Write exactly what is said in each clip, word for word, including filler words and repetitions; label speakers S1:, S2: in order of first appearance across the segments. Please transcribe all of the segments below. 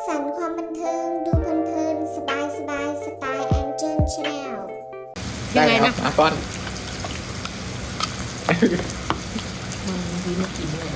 S1: สรรค์ความบันเทิงดูเพลินๆสบายสบายสไตล์แองเจิลชาแนล
S2: ได้ครับอ่ะป้อน
S3: มันดีไม่กินเลย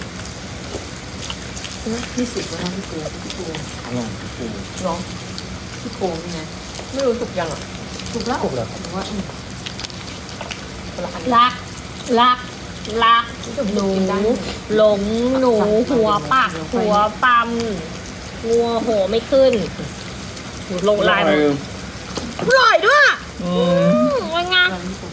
S3: ที่สุดแล้วพี่ปูพี่ปู
S2: อร่อยปู
S3: ร้องพี่โกงนี่ไงไม่รู้สุกยังอ่ะสุกแล้ว
S2: ถูกแล้ว
S3: ผมว่าอืมคนละอัน
S4: รัก รัก รัก หนู หลง หนู หัวปัก หัวปั๊มงัวโหไม่ขึ้นหนูลงลายมันอร่อยด้วย
S2: อืม
S4: อืมว่าไง
S3: ร้านพี่ปู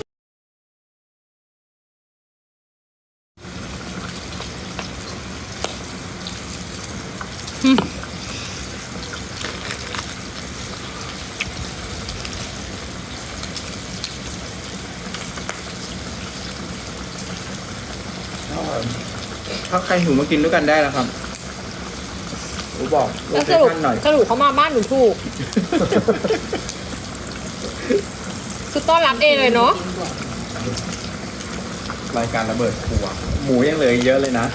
S2: ถ้าใครหิวมากินด้วยกันได้แล้วครับอูบอกโล
S4: แล้ว
S2: เค
S4: สรุป
S2: ชั่นหน่อย
S4: สรุปเขามาบ้านหนูถูก คือต้อนรับเองเลยเนาะ
S2: รายการระเบิดครัว หมูยังเหลืออีกเยอะเลยนะ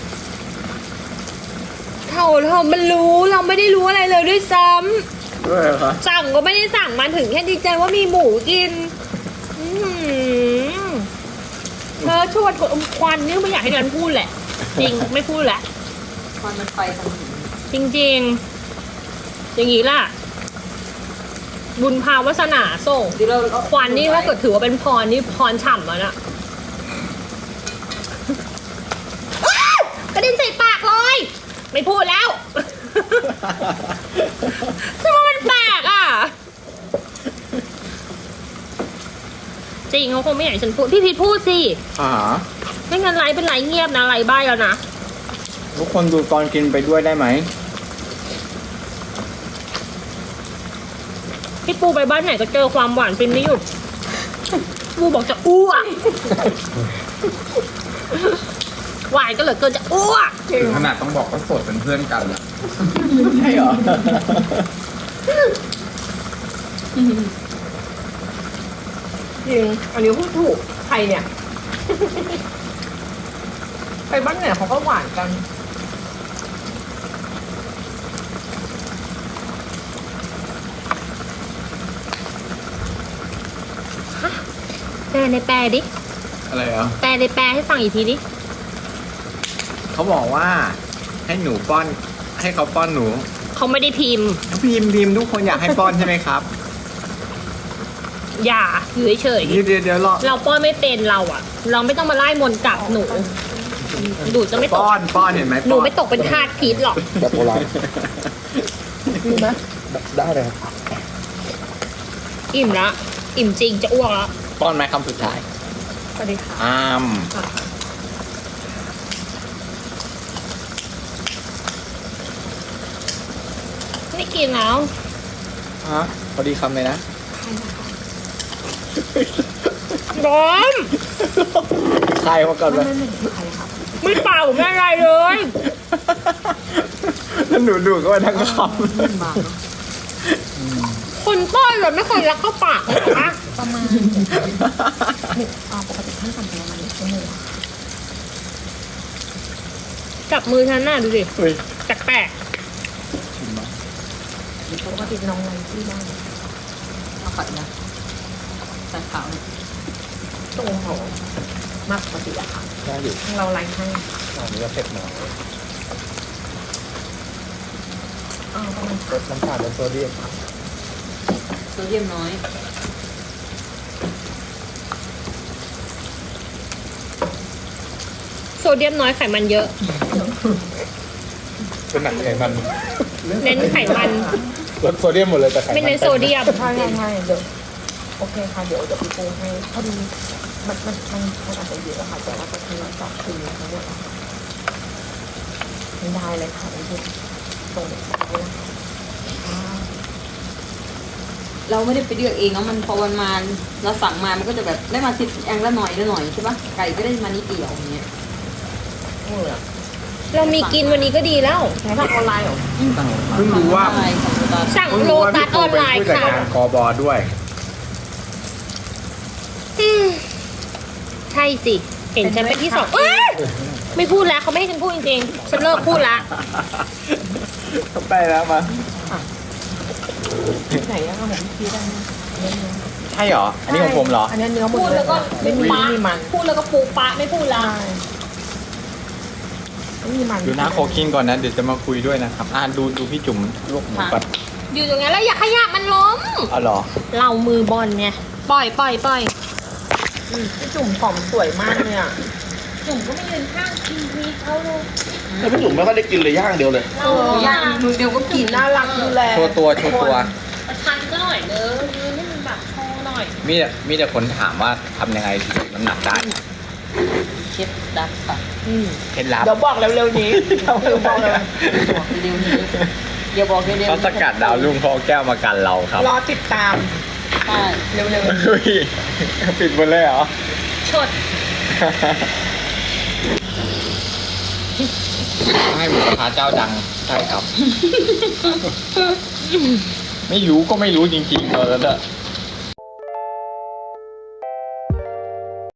S4: เท่าเธอมันรู้เราไม่ได้รู้อะไรเลยด้วยซ้ำ
S2: ด้วยเหรอคะ
S4: สั่งก็ไม่ได้สั่งมาถึงแค่ดีใจว่ามีหมูกิน อื้อหือเธอชวนคนอมควันนี่ไม่อยากให้เดินพูดแหละ จริง ไม่พูดแหละ
S3: ควันมันไฟทางหิน
S4: จริงๆ อย่างนี้ล่ะ บุญพาวาสนาส่ง
S3: เดี๋ยวเราเอา
S4: ควันนี่ถ้าเกิดถือว่าเป็นพรนี่พรฉ่ำแล้วนะอ้าวกระเด็นใส่ปากเลย ไม่พูดแล้ว ทำไมมันแปลกอ่ะ จริงเขาคงไม่อยากให้ฉันพูด พี่พีทพูดสิ
S2: อ่า
S4: ไม่งั้นไลฟ์เป็นไลฟ์เงียบนะไลฟ์บ้ายแล้วนะ
S2: ทุกคนดูตอนกินไปด้วยได้ไหม
S4: พี่ปูไปบ้านไหนก็เจอความหวานเป็นไม่หยุดปูบอกจะอ้วกหวานก็เหลือเกินจะอ้วก
S5: ถึงขนาดต้องบอกว่าโสดเป็นเพื่อนกันอะ
S2: ใช่เหรอ
S3: จริงอันนี้พูดถูกใครเนี่ย ไปบ้านไหนเขาก็หวานกัน
S4: แปลในแปลดิ
S2: อะไรอ่ะ
S4: แปลในแปลให้ฟังอีกทีดิ
S2: เขาบอกว่า ให้หนูป้อน ให้เขาป้อนหนู
S4: เขาไม่ได้พิมพ์
S2: พิมพ์พิมพ์ทุกคนอยากให้ป้อนใช่ไหมครับ
S4: อย่าอยู่เฉย
S2: เดี๋ยวเดี๋ยวเดี๋ยวรอ
S4: ๆเราป้อนไม่เป็นเราอะเราไม่ต้องมาไล่มนต์กลับหนูดูจะไม่ตก
S2: ป้อนป้อนเห็นไหม
S4: หนู
S2: ป้อน
S4: ไม่ตกเป็นทาสพีทหรอก
S5: แบบโบราณ
S3: ดีไหม
S5: ได้เลยครับ
S4: อิ่มละอิ่มจริงจะอ้วกแล้ว
S2: ป้อนไหมคำสุดท้าย
S3: สวัสดีค่ะ
S2: อ้าม
S4: ไม่กินแล้ว
S2: ฮะพอดีคำเลยนะ
S4: ร้อน
S2: ใครมาก่อนเลย
S3: ไม่ไม่ไม่ใครครับ
S4: ไม่เป่าไม่อะไรเลย
S2: แล้วหนูดูดเข้าไปทั้งค
S3: มันบางเนาะ
S4: คนป้อนเลยไม่เคยรักเข้าปากเลยเหรอคะ
S3: ประมาณอ่าปกติท่านทำประมาณหนึ่งชั่วโมง
S4: จับมือฉันน่ะดูสิ
S2: ำเฮ้ย
S4: แปลก
S3: ปกติน้องไว้ที่บ้านเอาขัดนะใส่ขาวเนี่ยตรงหัวมากปกติอะค่ะ
S2: น่าอยู่
S3: เราไล่ให้
S2: อันนี้ก็เผ็ดหน่อย
S3: อ่าประมาณ
S2: รสน้ำตาลและโซเดียม
S3: โซเดียมน้อย
S4: ๆโซเดียมน้อยไขมันเยอะ
S5: เป็นหนักไขมัน
S4: เน้นไขมัน
S5: ลดโซเดียมหมดเลยแต่ไขมัน
S4: ไม่เน้นโซเดียม
S3: ใช่ใช่เดี๋ยวโอเคค่ะเดี๋ยวเดี๋ยวพี่ปูให้พอดีมันมันมันมันอาจจะเยอะค่ะแต่ว่าจะคือจับคืนทั้งหมดอะค่ะไม่ได้เลยค่ะพี่ปูส่งเลยนะคะอ่า
S6: เราไม่ได้ไปเลือกเองเนาะมันพอวันมาเราสั่งมามันก็จะแบบได้มาสิบอย่างละหน่อยละหน่อยใช่ปะไก่ก็ได้มานิดเดียวอย่างเงี้ย
S3: เออ
S4: เรามีกินวันนี้ก็ดีแล้ว
S3: ใช้ทางออนไลน์เหรอ
S2: เพิ่งรู้ว่า
S6: อะไรของเรา
S4: สั่ง
S2: เพิ่ง
S4: โล
S2: รู้ว่า
S4: ตั
S2: พี่
S4: ส
S2: ปู
S4: ออน
S2: เป็น
S4: ไลน์
S2: ผู้จัด
S4: ค่ะ
S2: การกอบอด้วย
S4: อืมใช่สิ เห็นฉันเป็นที่สองเอ้ยไม่พูดแล้วเขาไม่ให้ฉันพูดจริงๆ ฉันเลิกพูดละ
S2: เข้าไปแล้วมา
S3: ไหนอะของพี่พีได้ไหมเนื้อเนื้อ
S2: ใช่เหรอ อันนี้ของผมเหรอ
S3: อันนี้เนื้อหมด
S4: พูด
S3: เล
S4: แล้
S3: ยว
S4: ก็
S3: ไม่
S4: ปู
S3: มี
S4: ปะ
S3: ไม่มีมัน
S4: พูดแล้วก็ปูปะไม่พูดละ
S3: ใช่ไม่มีมัน
S2: ดูนะโคกินก่อนนะ เดี๋ยวจะมาคุยด้วยนะครับ อ่าดูดูพี่จุ๋มลวกหมูก่อน
S4: อยู่ตรงนั้นแล้วอย่าขยับมันล้ม
S2: อ๋อเหรอ
S4: เรามือบอลไงปล่อยปล่อยปล่อย
S3: อืมพี่จุ่มผอมสวยมากเลยอ่ะ
S4: จุ่มก็ไม่ยืนข้างทีพีเขาเลย
S5: แต่พี่จุ๋มไม่ค่อยได้กินเลยย่างเดียวเลย
S4: เรา
S6: ย่างมือเดียวก็กิน
S3: น่ารักดูแล
S2: โชว์ตัวโชว์ตัว
S4: ประชันก็หน่อยเด้อยืนให้มันแบบโชว์หน่อย
S2: มีแต่มีแต่คนถามว่าทำยังไงถึงลดน้ำหนักได้
S6: เคล็ดลับค่ะ
S3: อืม
S2: เคล็ดลับ
S3: เดี๋ยวบอกเร็วๆนี้เดี๋ยวบอกเลย
S6: บอกเร็วๆนี้เดี๋ยวบอกเร็วๆ
S2: เขาสกัดดาวรุ่งเขาเอาแก้วมากันเราครับ
S3: รอติดตาม
S6: ใช่
S3: เร็ว
S2: เฮ้ยปิดหมดเลยเหรอ
S4: ชด
S2: ให้หมูกระทะเจ้าดังใช่ครับ ไม่รู้ก็ไม่รู้จริงๆตอนนั้นอะ
S3: ๆ